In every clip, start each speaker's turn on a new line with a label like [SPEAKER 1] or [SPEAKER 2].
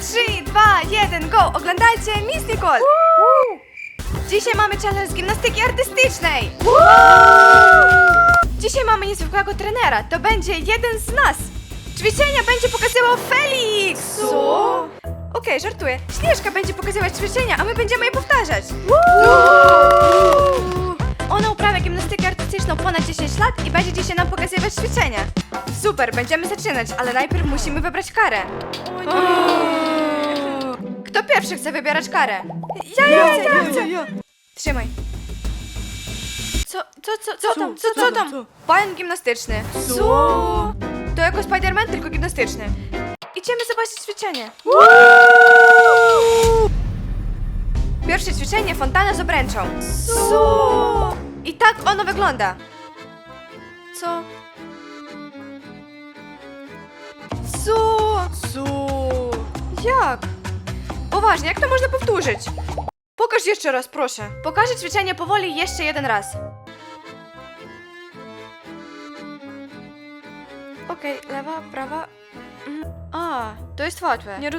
[SPEAKER 1] 3, 2, 1, go! Oglądajcie Miss Nicole! Dzisiaj mamy challenge z gimnastyki artystycznej! Dzisiaj mamy niezwykłego trenera, to będzie jeden z nas! Ćwiczenia będzie pokazywał Felix! Co? Okej, żartuję. Śnieżka będzie pokazywać ćwiczenia, a my będziemy je powtarzać! Ona uprawia gimnastykę artystyczną ponad 10 lat i będzie dzisiaj nam pokazywać ćwiczenia. Super, będziemy zaczynać, ale najpierw musimy wybrać karę. Kto pierwszy chce wybierać karę? Ja. Trzymaj. Co tam? Pająk gimnastyczny. Co? To jako Spider-Man, tylko gimnastyczny. Idziemy zobaczyć ćwiczenie. Pierwsze ćwiczenie, fontanna z obręczą. Co? I tak ono wygląda. Co? Jak? Poważnie, jak to można powtórzyć? Pokaż jeszcze raz, proszę. Pokażę ćwiczenie powoli jeszcze jeden raz. Okej, lewa, prawa. A, to jest łatwe. Nie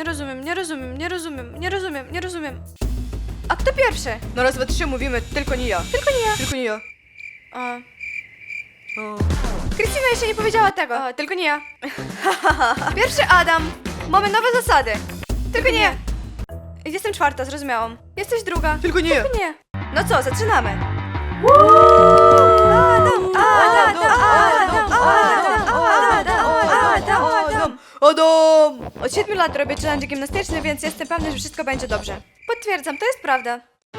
[SPEAKER 1] rozumiem. A kto pierwszy?
[SPEAKER 2] Na raz, dwa, trzy mówimy, tylko nie ja. Tylko nie ja.
[SPEAKER 1] A. Krystyna jeszcze nie powiedziała tego. A, tylko nie ja. Pierwszy Adam. Mamy nowe zasady. Tylko nie ja. Jestem czwarta, zrozumiałam. Jesteś druga.
[SPEAKER 2] Tylko nie ja.
[SPEAKER 1] Nie. No co, zaczynamy.
[SPEAKER 2] Adam!
[SPEAKER 1] Od 7 lat robię challenge gimnastyczny, więc jestem pewna, że wszystko będzie dobrze. Potwierdzam, to jest prawda.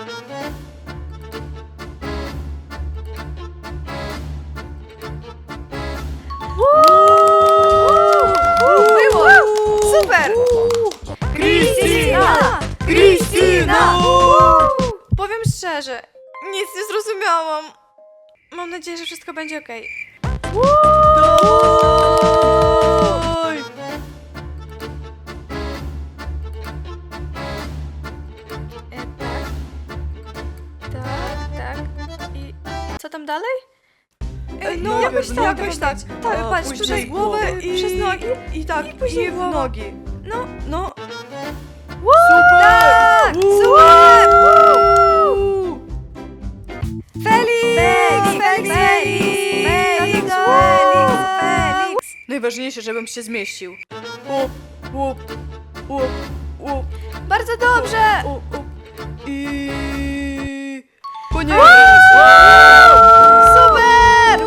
[SPEAKER 1] Było! Super! Krystyna! Powiem szczerze, nic nie zrozumiałam. Mam nadzieję, że wszystko będzie okej.
[SPEAKER 2] Daj!
[SPEAKER 1] Tak. I co tam dalej?
[SPEAKER 2] No, jakoś tak.
[SPEAKER 1] Tak, patrz,
[SPEAKER 2] Później
[SPEAKER 1] tutaj
[SPEAKER 2] głowę
[SPEAKER 1] przez nogi.
[SPEAKER 2] I tak,
[SPEAKER 1] I później
[SPEAKER 2] w
[SPEAKER 1] głową.
[SPEAKER 2] nogi.
[SPEAKER 1] No.
[SPEAKER 2] No.
[SPEAKER 1] Super! Tak! Super! Felix!
[SPEAKER 2] Najważniejsze, żebym się zmieścił.
[SPEAKER 1] Bardzo dobrze!
[SPEAKER 2] I... Koniec!
[SPEAKER 1] Super!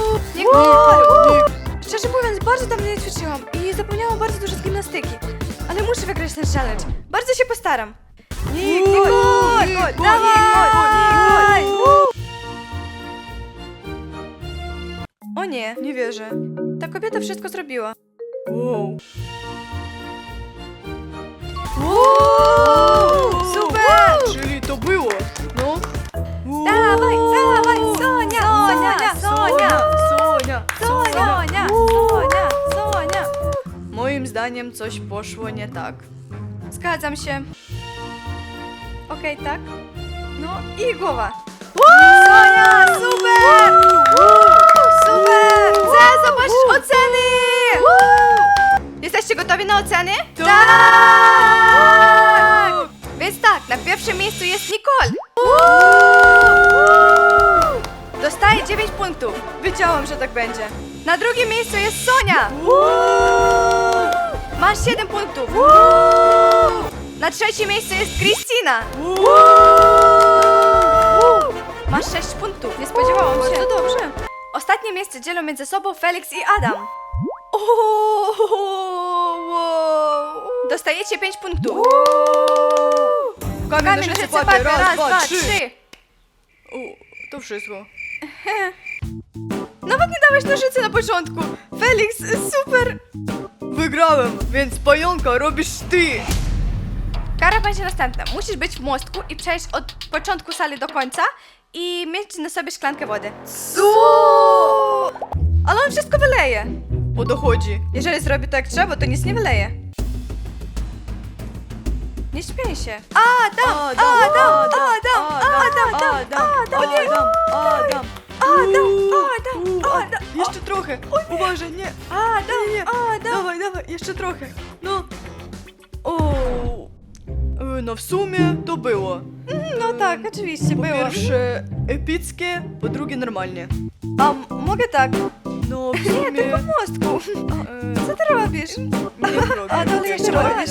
[SPEAKER 1] Szczerze mówiąc, bardzo dawno nie ćwiczyłam i zapomniałam bardzo dużo z gimnastyki. Ale muszę wygrać ten challenge. Bardzo się postaram. Nicole! Dawaj! O nie,
[SPEAKER 2] Nie wierzę.
[SPEAKER 1] ta kobieta wszystko zrobiła.
[SPEAKER 2] Wow.
[SPEAKER 1] Super!
[SPEAKER 2] Czyli to było. No.
[SPEAKER 1] Dawaj, Sonia!
[SPEAKER 2] Moim zdaniem coś poszło nie tak.
[SPEAKER 1] Zgadzam się. Okej, tak? No i głowa. Sonia, super! Super! Chcę zobaczyć oceny! Jesteście gotowi na oceny? Tak! Więc tak, na pierwszym miejscu jest Nicole. Dostaje 9 punktów. Wiedziałam, że tak będzie. Na drugim miejscu jest Sonia. Masz 7 punktów. Na trzecim miejscu jest Krystyna. Masz 6 punktów. Nie spodziewałam się.
[SPEAKER 2] Bardzo
[SPEAKER 1] dobrze. Ostatnie miejsce dzielą między sobą Felix i Adam. Dostajecie 5 punktów.
[SPEAKER 2] Kamień, nożyce, papier. Raz, dwa, trzy. To wszystko.
[SPEAKER 1] Nawet nie dałeś nożycy na początku. Felix, super.
[SPEAKER 2] Wygrałem, więc pająka robisz ty.
[SPEAKER 1] Kara będzie następna. Musisz być w mostku i przejść od początku sali do końca i mieć na sobie szklankę wody.
[SPEAKER 2] Co?
[SPEAKER 1] Ale on wszystko wyleje.
[SPEAKER 2] O to chodzi.
[SPEAKER 1] Jeżeli zrobi to jak trzeba, to nic nie wyleje. Nie śmiej się. Adam!
[SPEAKER 2] Jeszcze trochę. Uważaj, nie.
[SPEAKER 1] Adam!
[SPEAKER 2] Dawaj, jeszcze trochę. No. O, No w sumie to było.
[SPEAKER 1] No tak, oczywiście,
[SPEAKER 2] Po
[SPEAKER 1] było.
[SPEAKER 2] pierwsze epickie, po drugie normalnie.
[SPEAKER 1] A mogę tak?
[SPEAKER 2] No w
[SPEAKER 1] Nie,
[SPEAKER 2] sumie...
[SPEAKER 1] tylko w mostku. Co ty robisz?
[SPEAKER 2] Nie robię.
[SPEAKER 1] Adam, jeszcze
[SPEAKER 2] Adam,
[SPEAKER 1] robisz?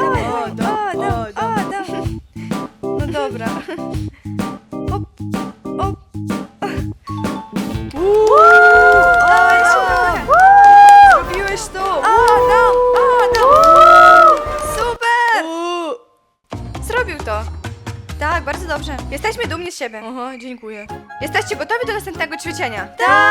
[SPEAKER 1] Adam. No dobra. Op, op. Dawaj, super. Zrobiłeś to. Adam. Super. Zrobił to. Tak, bardzo dobrze. Jesteśmy dumni z siebie.
[SPEAKER 2] Aha, dziękuję.
[SPEAKER 1] Jesteście gotowi do następnego ćwiczenia?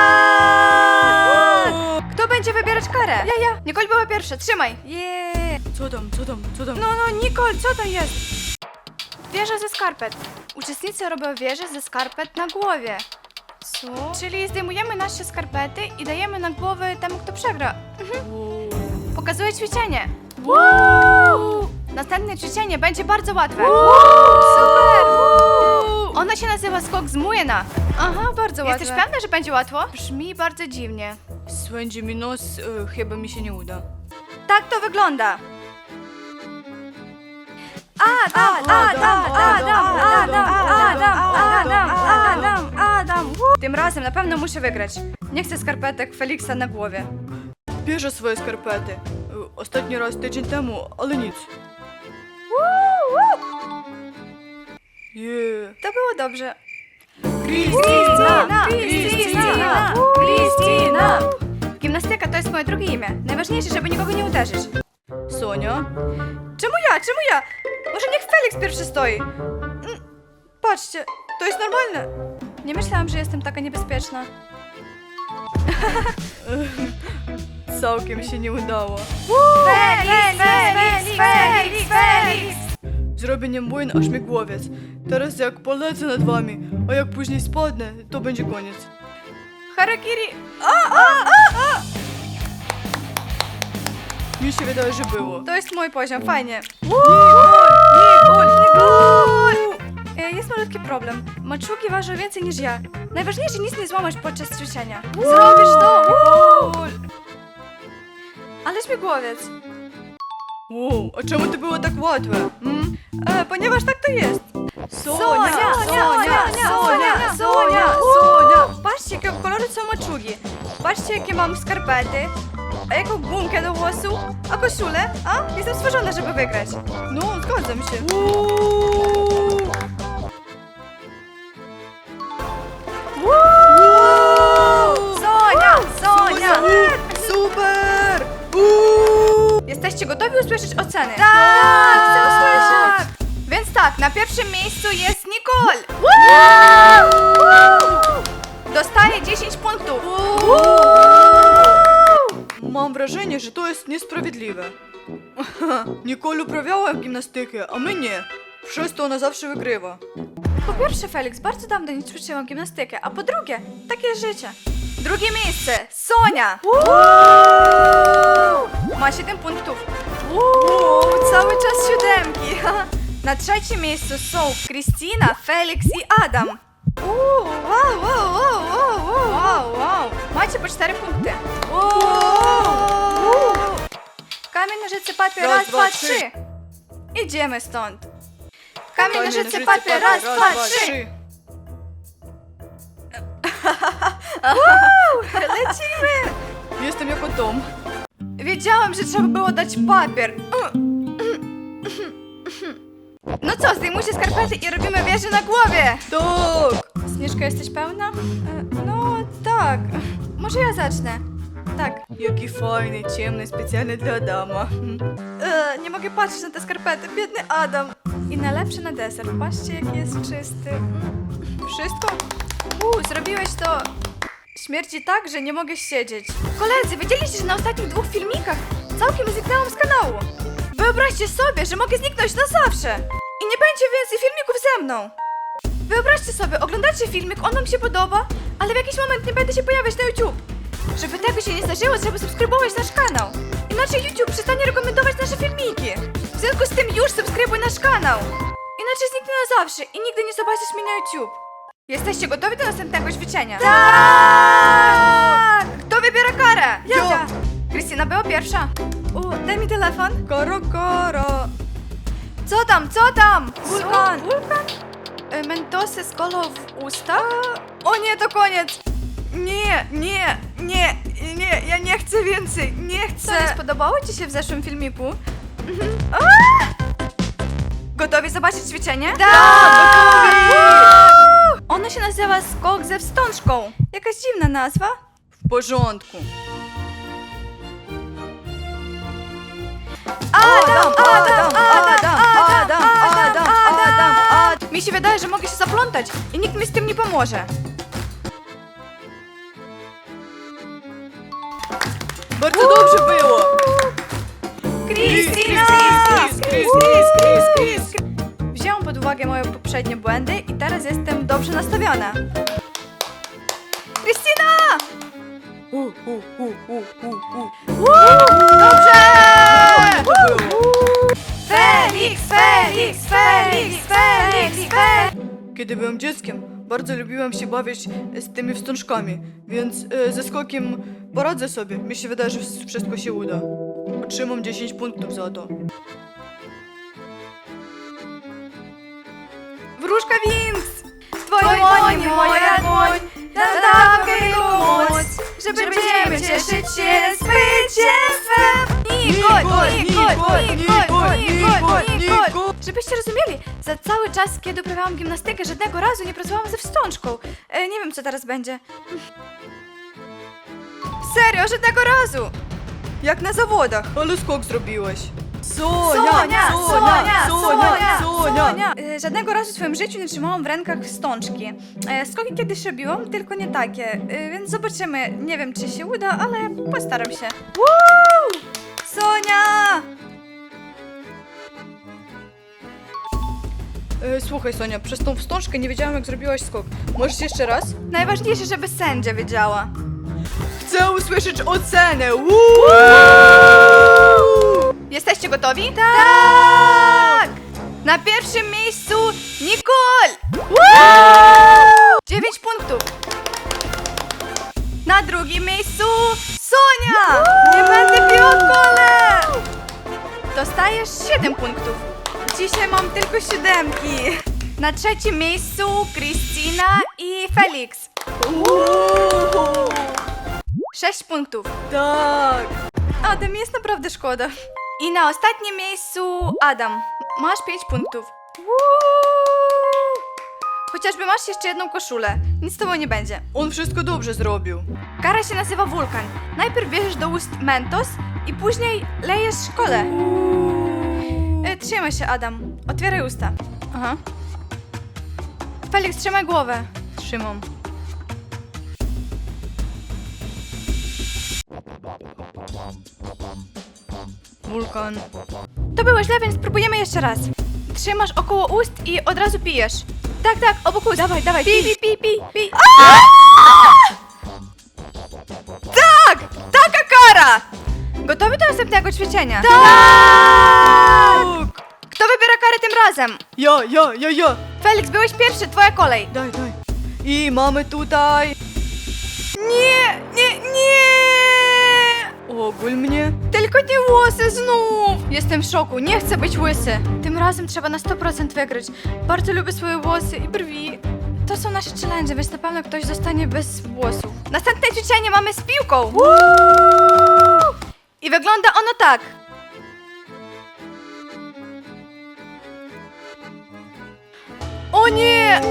[SPEAKER 1] Tak! Kto będzie wybierać karę? Ja. Nicole była pierwsza, trzymaj. Yeah.
[SPEAKER 2] Co tam?
[SPEAKER 1] No, Nicole, co to jest? Wieża ze skarpet. Uczestnicy robią wieżę ze skarpet na głowie. Co? Czyli zdejmujemy nasze skarpety i dajemy na głowę temu, kto przegra. Pokazuję ćwiczenie. Następne ćwiczenie będzie bardzo łatwe. Super! Ono się nazywa skok z młyna. Aha, bardzo łatwe. Jesteś pewna, że będzie łatwo? Brzmi bardzo dziwnie.
[SPEAKER 2] Swędzi mi nos, chyba mi się nie uda.
[SPEAKER 1] Tak to wygląda. Adam. Tym razem na pewno muszę wygrać. Nie chcę skarpetek Feliksa na głowie.
[SPEAKER 2] Bierze swoje skarpety. Ostatni raz tydzień temu, ale nic. Yeah.
[SPEAKER 1] To było dobrze. Krystyna! Gimnastyka to jest moje drugie imię. Najważniejsze, żeby nikogo nie uderzyć.
[SPEAKER 2] Sonia?
[SPEAKER 1] Czemu ja? Może niech Felix pierwszy stoi. Patrzcie, to jest normalne. Nie myślałam, że jestem taka niebezpieczna.
[SPEAKER 2] Całkiem się nie udało.
[SPEAKER 1] Felix!
[SPEAKER 2] Zrobienie młyn aż mi głowiec. Teraz jak polecę nad wami, a jak później spadnę, to będzie koniec.
[SPEAKER 1] Harakiri!
[SPEAKER 2] Mi się wydaje, że było.
[SPEAKER 1] To jest mój poziom, fajnie. Jest malutki problem. Maczugi ważą więcej niż ja. Najważniejsze, nic nie złamasz podczas ćwiczenia. Zrobisz to! Ale śmigłowiec.
[SPEAKER 2] Wow, a czemu to było tak łatwe?
[SPEAKER 1] Ponieważ tak to jest.
[SPEAKER 2] Sonia!
[SPEAKER 1] Patrzcie, jakiego koloru są maczugi. Patrzcie, jakie mam skarpety. A jaką gumkę do włosów. A koszulę? A? Jestem stworzona, żeby wygrać.
[SPEAKER 2] No, zgadzam się.
[SPEAKER 1] Sonia!
[SPEAKER 2] Super!
[SPEAKER 1] Jesteście gotowi usłyszeć oceny? Tak! Chcę usłyszeć! Więc tak, na pierwszym miejscu jest Nicole! Dostaje 10 punktów!
[SPEAKER 2] Mam wrażenie, że to jest niesprawiedliwe. Nicole uprawiała gimnastykę, a my nie. Przez to ona zawsze wygrywa.
[SPEAKER 1] Po pierwsze, Felix, bardzo dawno nie ćwiczyłam gimnastykę, a po drugie, takie jest życie. Drugie miejsce, Sonia! Ma 7 punktów. Cały czas 7. Na trzecim miejscu są Krystyna, Felix i Adam. Wow. Macie po 4 punkty. Kamień, nożyce, papier, raz, dwa, trzy. Idziemy stąd. Kamień, nożyce, papier, raz, dwa, trzy. Lecimy!
[SPEAKER 2] Jestem jako Tom.
[SPEAKER 1] Wiedziałam, że trzeba było dać papier. No co, zdejmujcie skarpety i robimy wieżę na głowie.
[SPEAKER 2] Tak!
[SPEAKER 1] Śnieżka, jesteś pełna? No tak. Może ja zacznę. Tak.
[SPEAKER 2] Jaki fajny, ciemny, specjalny dla Adama.
[SPEAKER 1] Nie mogę patrzeć na te skarpety, biedny Adam. I najlepsze na deser. Patrzcie, jaki jest czysty. Wszystko? Zrobiłeś to. Śmierci tak, że nie mogę siedzieć. Koledzy, wiedzieliście, że na ostatnich 2 filmikach całkiem zniknęłam z kanału? Wyobraźcie sobie, że mogę zniknąć na zawsze. I nie będzie więcej filmików ze mną. Wyobraźcie sobie, oglądacie filmik, on wam się podoba, ale w jakiś moment nie będę się pojawiać na YouTube. Żeby tego się nie zdarzyło, trzeba subskrybować nasz kanał. Inaczej YouTube przestanie rekomendować nasze filmiki. W związku z tym już subskrybuj nasz kanał. Inaczej zniknę na zawsze i nigdy nie zobaczysz mnie na YouTube. Jesteście gotowi do następnego ćwiczenia? Tak! Kto wybiera karę?
[SPEAKER 2] Ja.
[SPEAKER 1] Krystyna była pierwsza. Daj mi telefon.
[SPEAKER 2] Koro.
[SPEAKER 1] Co tam, co tam?
[SPEAKER 2] Wulkan!
[SPEAKER 1] Wulkan? Mentosy z kolą w ustach? O nie, to koniec!
[SPEAKER 2] Nie, ja nie chcę więcej, nie
[SPEAKER 1] Co,
[SPEAKER 2] chcę.
[SPEAKER 1] nie spodobało ci się w zeszłym filmiku?
[SPEAKER 2] Gotowi zobaczyć ćwiczenie?
[SPEAKER 1] Tak!
[SPEAKER 2] gotowi!
[SPEAKER 1] Ono się nazywa skok ze wstążką. Jakaś dziwna nazwa.
[SPEAKER 2] W porządku. Adam.
[SPEAKER 1] Mi się wydaje, że mogę się zaplątać i nikt mi z tym nie pomoże.
[SPEAKER 2] Bardzo dobrze było.
[SPEAKER 1] Krystyna!
[SPEAKER 2] Chris.
[SPEAKER 1] Wzięłam pod uwagę moje poprzednie błędy i teraz jestem dobrze nastawiona. Krystyna! Dobrze! Felix!
[SPEAKER 2] Kiedy byłem dzieckiem, bardzo lubiłem się bawić z tymi wstążkami, więc ze skokiem poradzę sobie. Mi się wydaje, że wszystko się uda. Otrzymam 10 punktów za to.
[SPEAKER 1] Wróżka Wings! Twoi dłoń, moja dłoń, nadawkę mi pomóc, żeby będziemy cieszyć się zwycięstwem! Nikol! Żebyście rozumieli, za cały czas, kiedy uprawiałam gimnastykę, żadnego razu nie pracowałam ze wstążką. Nie wiem, co teraz będzie. Serio, żadnego razu!
[SPEAKER 2] Jak na zawodach, ale skok zrobiłeś.
[SPEAKER 1] Sonia! Żadnego razu w swoim życiu nie trzymałam w rękach wstążki. Skoki kiedyś robiłam, tylko nie takie. Więc zobaczymy. Nie wiem, czy się uda, ale postaram się. Woo! Sonia!
[SPEAKER 2] Słuchaj Sonia, przez tą wstążkę nie wiedziałam jak zrobiłaś skok. Możesz jeszcze raz?
[SPEAKER 1] Najważniejsze, żeby sędzia wiedziała.
[SPEAKER 2] Chcę usłyszeć ocenę!
[SPEAKER 1] Jesteście gotowi? Tak! Na pierwszym miejscu Nicole! 9 punktów. Na drugim miejscu Sonia! Nie będę piła kole! Dostajesz 7 punktów. Dzisiaj mam tylko 7. Na trzecim miejscu Krystyna i Felix. 6 punktów.
[SPEAKER 2] Tak!
[SPEAKER 1] Adam, jest naprawdę szkoda. I na ostatnim miejscu Adam. Masz 5 punktów. Chociażby masz jeszcze jedną koszulę. Nic z tobą nie będzie.
[SPEAKER 2] On wszystko dobrze zrobił.
[SPEAKER 1] Kara się nazywa wulkan. Najpierw bierzesz do ust mentos i później lejesz kole. Trzymaj się, Adam. Otwieraj usta. Aha. Felix, trzymaj głowę.
[SPEAKER 2] Trzymam. Wulkan.
[SPEAKER 1] To było źle, więc spróbujemy jeszcze raz. Trzymasz około ust i od razu pijesz. Tak, obok ust. Dawaj, pij. Tak! Taka kara! Gotowy do następnego ćwiczenia? Tak! Kto wybiera karę tym razem?
[SPEAKER 2] Ja.
[SPEAKER 1] Felix, byłeś pierwszy, twoja kolej.
[SPEAKER 2] Daj. I mamy tutaj...
[SPEAKER 1] Nie!
[SPEAKER 2] Ogól mnie.
[SPEAKER 1] Tylko nie włosy znów! Jestem w szoku, nie chcę być łysy. Tym razem trzeba na 100% wygrać. Bardzo lubię swoje włosy i brwi. To są nasze challenge, więc na pewno ktoś zostanie bez włosów. Następne ćwiczenie mamy z piłką. I wygląda ono tak. O nie!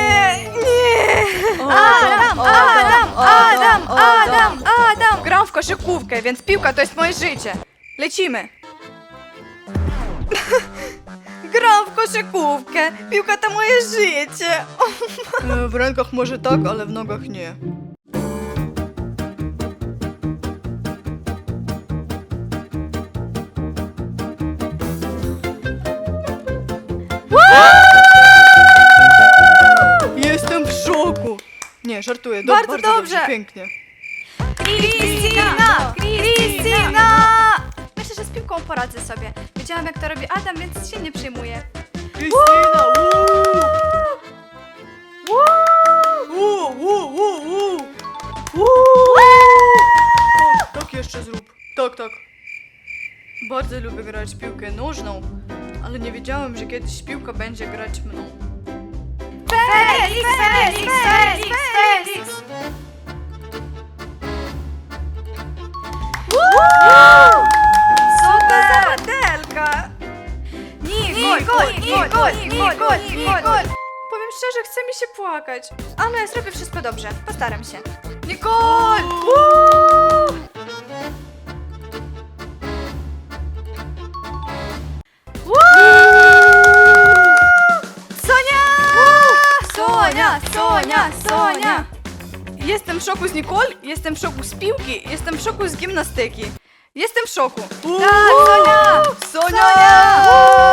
[SPEAKER 1] Adam! Gram w koszykówkę, więc piłka to jest moje życie. Lecimy. Gram w koszykówkę, piłka to moje życie.
[SPEAKER 2] W rękach może tak, ale w nogach nie. Jestem w szoku. Nie, żartuję.
[SPEAKER 1] Bardzo dobrze.
[SPEAKER 2] Pięknie.
[SPEAKER 1] Krystyna! Myślę, że z piłką poradzę sobie. Wiedziałam, jak to robi Adam, więc się nie przejmuję.
[SPEAKER 2] Krystyna! Tak jeszcze zrób. Tak. Bardzo lubię grać w piłkę nożną, ale nie wiedziałem, że kiedyś piłka będzie grać mną.
[SPEAKER 1] Felix, Felix, Felix, Felix! Co to za modelka? Nicole! Powiem szczerze, chce mi się płakać. Ale zrobię wszystko dobrze. Postaram się. Nicole! Sonia!
[SPEAKER 2] Jestem w szoku z Nicole, jestem w szoku z piłki, jestem w szoku z gimnastyki. Jestem w szoku.
[SPEAKER 1] Tak, Sonia!
[SPEAKER 2] Sonia!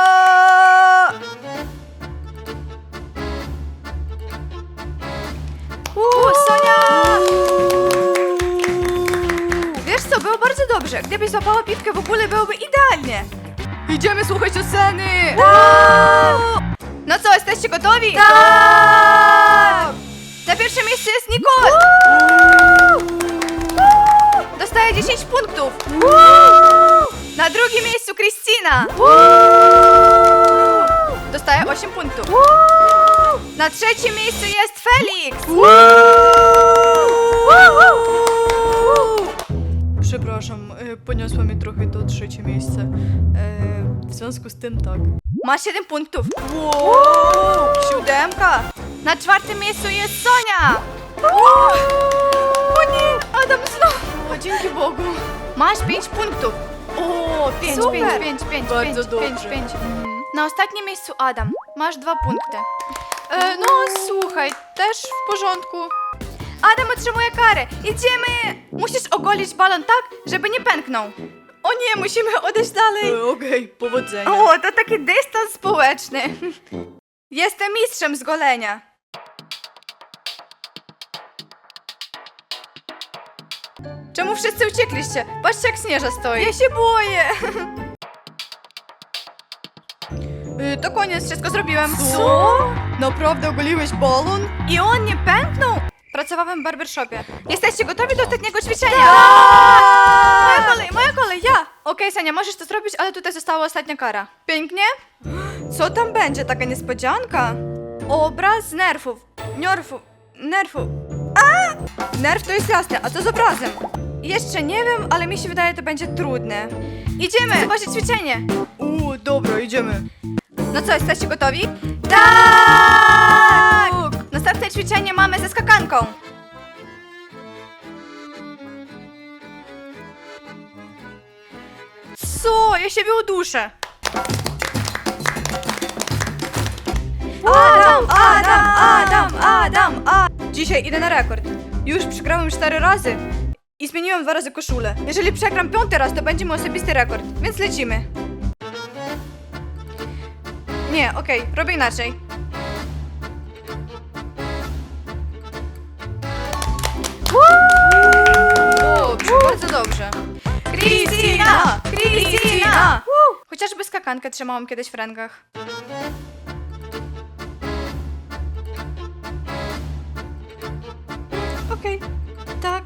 [SPEAKER 1] Sonia! Wiesz co, było bardzo dobrze. Gdybyś złapała piłkę w ogóle, byłoby idealnie.
[SPEAKER 2] Idziemy słuchać oceny!
[SPEAKER 1] No co, jesteście gotowi?
[SPEAKER 2] Tak!
[SPEAKER 1] Na pierwszym miejscu jest Nicole! Dostaje 10 punktów. Na drugim miejscu Krystyna. Dostaje 8 punktów. Na trzecim miejscu jest Felix.
[SPEAKER 2] Przepraszam, poniosło mi trochę to trzecie miejsce. W związku z tym tak.
[SPEAKER 1] Ma 7 punktów.
[SPEAKER 2] Siódemka!
[SPEAKER 1] Na czwartym miejscu jest Sonia. O nie, Adam znowu.
[SPEAKER 2] O, dzięki Bogu.
[SPEAKER 1] Masz 5 punktów.
[SPEAKER 2] O,
[SPEAKER 1] 5,
[SPEAKER 2] super.
[SPEAKER 1] 5, 5, 5,
[SPEAKER 2] Bardzo
[SPEAKER 1] 5, 5,
[SPEAKER 2] dobrze.
[SPEAKER 1] 5. Na ostatnim miejscu Adam. Masz 2 punkty. No słuchaj, też w porządku. Adam otrzymuje karę. Idziemy! Musisz ogolić balon tak, żeby nie pęknął. O nie, musimy odejść dalej.
[SPEAKER 2] Okej, powodzenia.
[SPEAKER 1] O, to taki dystans społeczny. Jestem mistrzem z golenia. Czemu wszyscy uciekliście? Patrzcie, jak Śnieża stoi. Ja się boję. To koniec, wszystko zrobiłem.
[SPEAKER 2] Co? Naprawdę ogoliłeś balon?
[SPEAKER 1] I on nie pęknął? Pracowałem w barbershopie. Jesteście gotowi do ostatniego ćwiczenia?
[SPEAKER 2] Tak!
[SPEAKER 1] Moja kolej, ja! Okej, Sania, możesz to zrobić, ale tutaj została ostatnia kara. Pięknie?
[SPEAKER 2] Co tam będzie? Taka niespodzianka?
[SPEAKER 1] Obraz z nerfów. Nerfów.
[SPEAKER 2] Nerw to jest jasne, a co z obrazem?
[SPEAKER 1] Jeszcze nie wiem, ale mi się wydaje, to będzie trudne. Idziemy! Zobaczyć ćwiczenie.
[SPEAKER 2] Dobra, idziemy.
[SPEAKER 1] No co, jesteście gotowi? Tak! Następne ćwiczenie mamy ze skakanką. Co? Ja siebie uduszę. Adam!
[SPEAKER 2] Dzisiaj idę na rekord. Już przegrałem 4 razy i zmieniłem 2 razy koszulę.
[SPEAKER 1] Jeżeli przegram 5. raz, to będzie mój osobisty rekord, więc lecimy. Nie, okej, robię inaczej.
[SPEAKER 2] Dobrze, bardzo dobrze.
[SPEAKER 1] Krystyna! Chociażby skakankę trzymałam kiedyś w rękach. Okej. Tak.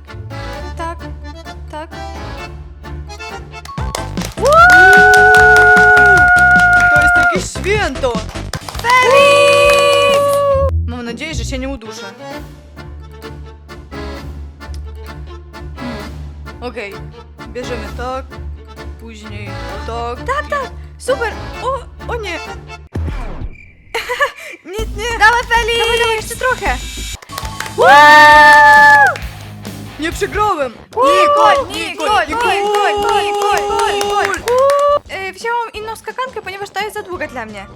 [SPEAKER 2] To jest jakieś święto.
[SPEAKER 1] Felix!
[SPEAKER 2] Mam nadzieję, że się nie uduszę. Okej, bierzemy tak, później tak.
[SPEAKER 1] Tak, super!
[SPEAKER 2] O nie! Nie!
[SPEAKER 1] Dawaj, Felix! Dawaj, jeszcze trochę!
[SPEAKER 2] Nie przegrałem!
[SPEAKER 1] Nicole! Wzięłam inną skakankę, ponieważ ta jest za długa dla mnie.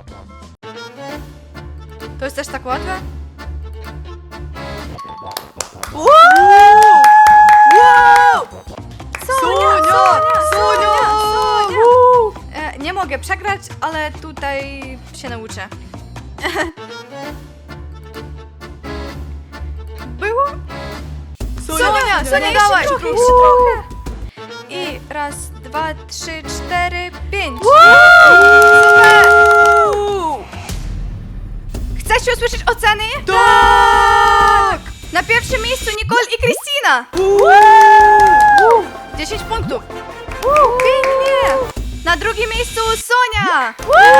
[SPEAKER 1] To jest też tak łatwe? Sonia! Nie mogę przegrać, ale tutaj się nauczę. Było? Sonia,
[SPEAKER 2] dawaj!
[SPEAKER 1] jeszcze trochę. I raz, 2, 3, 4, 5.
[SPEAKER 2] Super!
[SPEAKER 1] Chcecie usłyszeć oceny?
[SPEAKER 2] Tak!
[SPEAKER 1] Na pierwszym miejscu Nicole i Krystyna. 10 punktów. Pięknie. Na drugim miejscu Sonia. Sonia!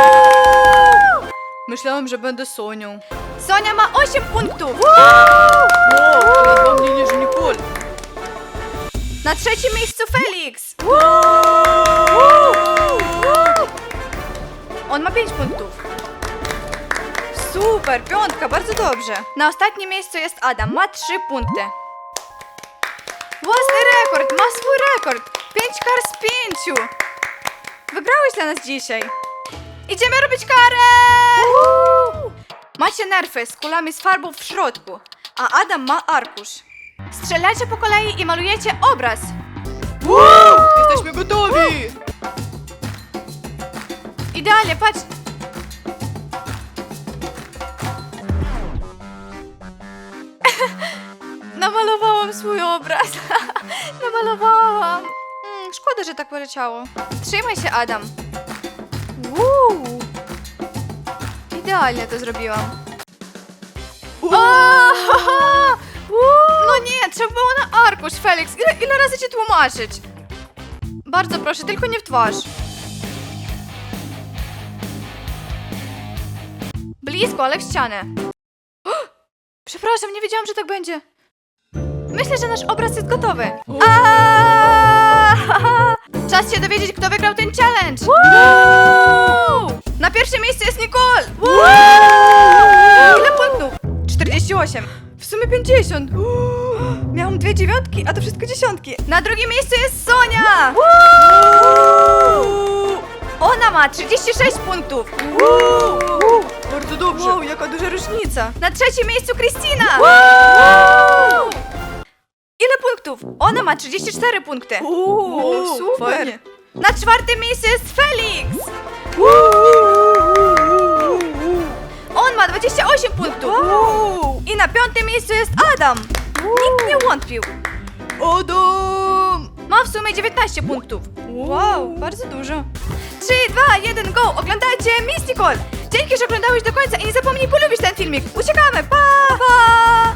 [SPEAKER 2] Myślałem, że będę Sonią.
[SPEAKER 1] Sonia ma 8 punktów!
[SPEAKER 2] Teraz do mnie niż Nicole.
[SPEAKER 1] Na trzecim miejscu Felix! On ma 5 punktów. Super, piątka, bardzo dobrze. Na ostatnim miejscu jest Adam, ma 3 punkty. Własny rekord, ma swój rekord. 5 kar z 5. Wygrałeś dla nas dzisiaj. Idziemy robić karę! Macie nerfy z kulami z farbą w środku, a Adam ma arkusz. Strzelacie po kolei i malujecie obraz.
[SPEAKER 2] Jesteśmy gotowi!
[SPEAKER 1] Idealnie, patrz. Namalowałam swój obraz. Namalowałam. Szkoda, że tak poleciało. Trzymaj się, Adam. Idealnie to zrobiłam. No nie, trzeba było na arkusz, Felix. Ile razy ci tłumaczyć? Bardzo proszę, tylko nie w twarz. Blisko, ale w ścianę. Przepraszam, nie wiedziałam, że tak będzie. Myślę, że nasz obraz jest gotowy. Czas się dowiedzieć, kto wygrał ten challenge. Na pierwszym miejscu jest Nicole. Ile punktów? 48. W sumie 50. Miałam 2 dziewiątki, a to wszystko dziesiątki. Na drugim miejscu jest Sonia. Ona ma 36 punktów.
[SPEAKER 2] Bardzo dobrze.
[SPEAKER 1] Wow, jaka duża różnica. Na trzecim miejscu Kristina. Ile punktów? Ona ma 34 punkty. Super.
[SPEAKER 2] Fajnie.
[SPEAKER 1] Na czwartym miejscu jest Felix. On ma 28 punktów. I na piątym miejscu jest Adam. Nikt nie wątpił.
[SPEAKER 2] Adam!
[SPEAKER 1] Ma w sumie 19 punktów. Wow, bardzo dużo. 3, 2, 1, go! Oglądajcie Miss Nicole! Dzięki, że oglądałeś do końca i nie zapomnij polubić ten filmik. Uciekamy, pa! Pa!